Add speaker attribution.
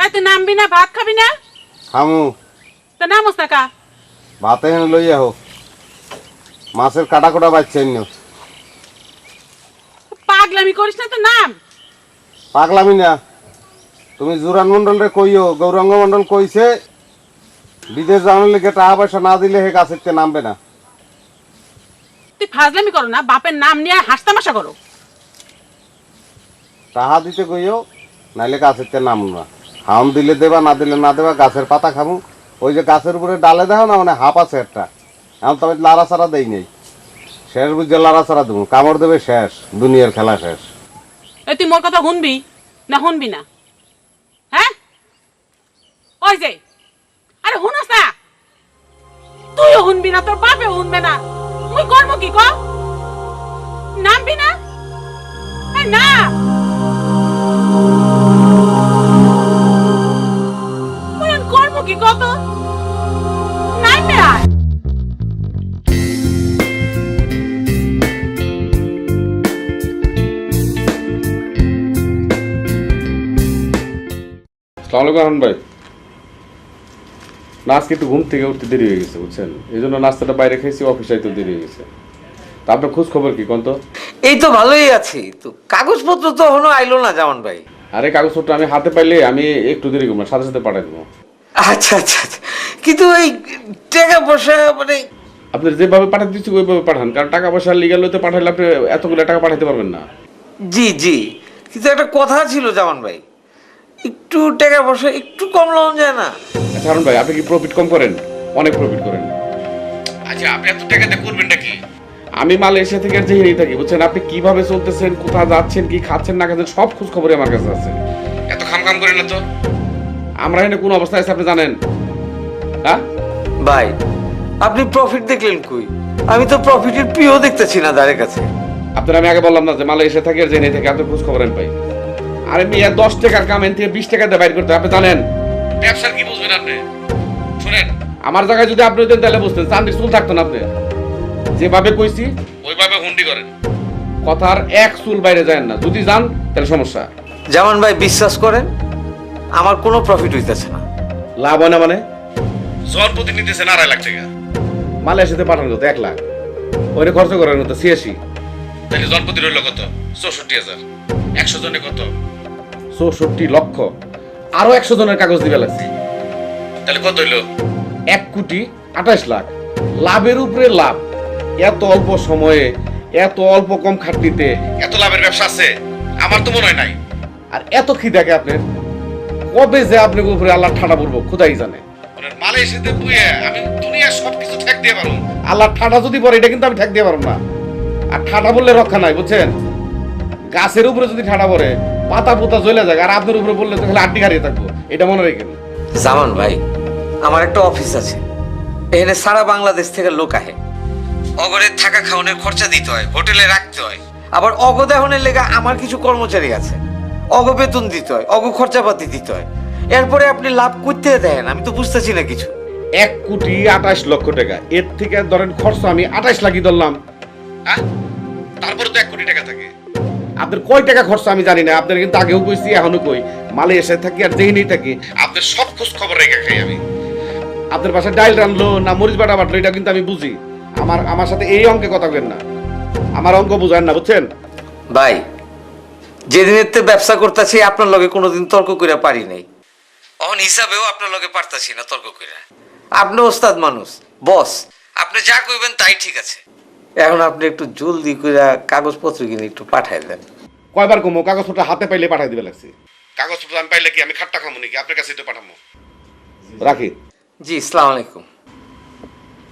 Speaker 1: তাই তুই নামবি না, ভাত খাবি না?
Speaker 2: খামু।
Speaker 1: তা নামস না কা?
Speaker 2: ভাতে হেন লইয়া হোক, মাছের কাটা কোটা বাচ্চেন না।
Speaker 1: পাগলামি করিস না, তো নাম।
Speaker 2: পাগলামি না, তুমি জুরান মন্ডল রে কইও, গৌরাঙ্গ মন্ডল কইছে বিদেশ যাওয়ার লেগে টাকা পয়সা না দিলে হে গাছের নামবে না।
Speaker 1: তুই ফাজলামি করো না, বাপের নাম নিয়ে হাসতামাশা করো।
Speaker 2: টাকা দিতে কইও, নাইলে গাছের নামু না। হাম দিলে দেবা, না দিলে না দেবা, গাছের পাতা খামু। ওই যে গাছের উপরে ডালে দেখো না, মানে হাফ আছে একটা, এখন তবে লাড়া ছাড়া দেই নেই। শেষ বুঝে লাড়া ছাড়া দেবো, কামড় দেবে শেষ, দুনিয়ার খেলা শেষ।
Speaker 1: এই তুই মোর কথা শুনবি না শুনবি না? হ্যাঁ ওই যে, আরে শুনস না? তুইও শুনবি না, তোর বাপেও শুনবে না। মুই করবো কি ক? নামবি না? এই না, মুই এখন করবো কি কত? নামবে আয়।
Speaker 3: আসসালামু আলাইকুম ভাই। না আজকে একটু ঘুম থেকে উঠতে দেরি হয়ে গেছে বুঝছেন, এই জন্য নাস্তাটা বাইরে খেয়েছি, অফিসে আইতে দেরি হয়ে গেছে। তা আপনার খোঁজ খবর কি কোন? তো
Speaker 4: এই তো ভালোই আছি, তো কাগজপত্র তো এখনো আইলো না জামান ভাই।
Speaker 3: আরে কাগজপত্র আমি হাতে পাইলে আমি একটু দেরি করবো না, সাথে সাথে পাঠাই দেবো।
Speaker 4: আচ্ছা আচ্ছা আচ্ছা, কিন্তু এই টাকা পয়সা মানে
Speaker 3: আপনি যেভাবে পাঠাতে দিচ্ছি ওইভাবে পাঠান, কারণ টাকা পয়সা লিগাল হইতে পাঠাইলে আপনি এতগুলো টাকা পাঠাতে পারবেন না।
Speaker 4: জি জি, কিন্তু একটা কথা ছিল জামান ভাই, একটু টাকা পয়সা একটু কম লওয়া যায় না?
Speaker 3: আচ্ছা হারুন ভাই, আপনি কি প্রফিট কম করেন? অনেক প্রফিট করেন। আচ্ছা আপনি এত টাকা দিয়ে করবেন নাকি? আমি মালয়েশিয়া থেকে আর যেই থাকি বুঝছেন, আপনি কিভাবে চলতেছেন, কোথায় যাচ্ছেন, কি খাচ্ছেন না খাচ্ছেন, সব খোঁজ খবরই আমার কাছে আছে। এত খাম করেন না তো। আমরা এখানে কোন অবস্থায় আছে আপনি জানেন? হ্যাঁ
Speaker 4: ভাই, আপনি প্রফিট দেখলেন কই? আমি তো প্রফিটের পিও দেখতেছি না দাঁড়ের কাছে।
Speaker 3: আপনার আমি আগে বললাম না যে মালয়েশিয়া থেকে আর যেই থেকে আপনার খোঁজ খবর আমি পাই। আরে মিয়া 10 টাকার কাম এন থেকে 20 টাকা দিয়ে বাইর করতে আপনি জানেন? ব্যবসার কি বুঝবেন আপনি? শুনেন, আমার জায়গায় যদি আপনি হতেন তাহলে বুঝতেন, চান্দির চুল থাকতো না। আপনি যেভাবে কইছি ওইভাবে হুন্ডি করেন, কথার এক চুল বাইরে যায় না। যদি যান তাহলে সমস্যা।
Speaker 4: জামান ভাই বিশ্বাস করেন, আমার কোনো প্রফিট হইতেছে না।
Speaker 3: লাভ হয় না মানে? জন প্রতি নিতেছেন 2.5 লাখ টাকা, মালয়েশিয়াতে পাঠানো কত 1 লাখ, ওইটা খরচ করার মতো 86, তাহলে জন প্রতি রইল কত? 64,000। 100 জনে কত? 64 লক্ষ। আরো 100 জনের কাগজ দিবে লাগছে, তাহলে কত হইল? 1,28 লাখ। লাভের উপরে লাভ, এত অল্প সময়ে এত অল্প কম খাটনিতে এত লাভের ব্যবসা আছে আমার তো মনে হয় নাই। আর এত খিদাকে আপনার কবে যে আপনার উপরে আল্লাহ ঠাডা পড়বো খোদাই জানে। মালয়েশিয়াতে বুয়ে আমি দুনিয়ার সবকিছু ঠেক দিয়ে পারবো, আল্লাহ ঠাডা যদি পড়ে এটা কিন্তু আমি ঠেক দিয়ে পারবো না। আর ঠাডা বললে রক্ষা নাই বুঝছেন, গাছের উপরে যদি ঠাডা পড়ে পাতা পোতা জ্বলে যায়, আর আপনার উপরে বললে তো খালি আড্ডি হারিয়ে থাকবো, এটা মনে রেখেন।
Speaker 4: জামান ভাই, আমার একটা অফিস আছে, এখানে সারা বাংলাদেশ থেকে লোক আহে। অগরে থাকা খাওয়ানোর খরচা দিতে হয়, হোটেলে রাখতে হয়, আবার অগদাহনের লেগে আমার কিছু কর্মচারী আছে, অগ বেতন দিতে হয়, অগ খরচাপাতি দিতে হয়। এরপরে আপনি লাভ করতে দেন, আমি তো বুঝতেছি না কিছু।
Speaker 3: 1,28 লক্ষ টাকা, এর থেকে ধরেন খরচ আমি 28 লাখই ধরলাম, হ্যাঁ তারপরে তো 1 কোটি টাকা থাকে। আপনার কয় টাকা খরচ আমি জানি না, আপনার কিন্তু আগেও কইছি এখনো কই, মালয়েশিয়ায় থাকি আর যেখানেই থাকি আপনার সব খোঁজ খবর রেখে খাই আমি। আপনার বাসায় ডাইল রানলো না মরিচ বাটা বাটলো এটা কিন্তু আমি বুঝি। আমার সাথে এই অঙ্কে কথা বলেন না, আমার অঙ্ক বুঝেন না বুঝছেন
Speaker 4: ভাই। যেদিনের তে ব্যবসা করতেছি আপনার লগে কোনোদিন তর্ক করে পারি নাই, অন হিসাবেও আপনার লগে পারতাছি না তর্ক করে। আপনি ওস্তাদ মানুষ, বস, আপনি যা কইবেন তাই ঠিক আছে। এখন আপনি একটু জলদি করে কাগজপত্র কিনে একটু পাঠাই দেন।
Speaker 3: কয়বার কমো, কাগজপত্র হাতে পাইলে পাঠাই দিবে লাগছে। কাগজপত্র আমি পাইলে কি আমি খাট্টা খামো নাকি? আপনার কাছে তো পাঠাবো। রাখি।
Speaker 4: জি, আসসালামু আলাইকুম।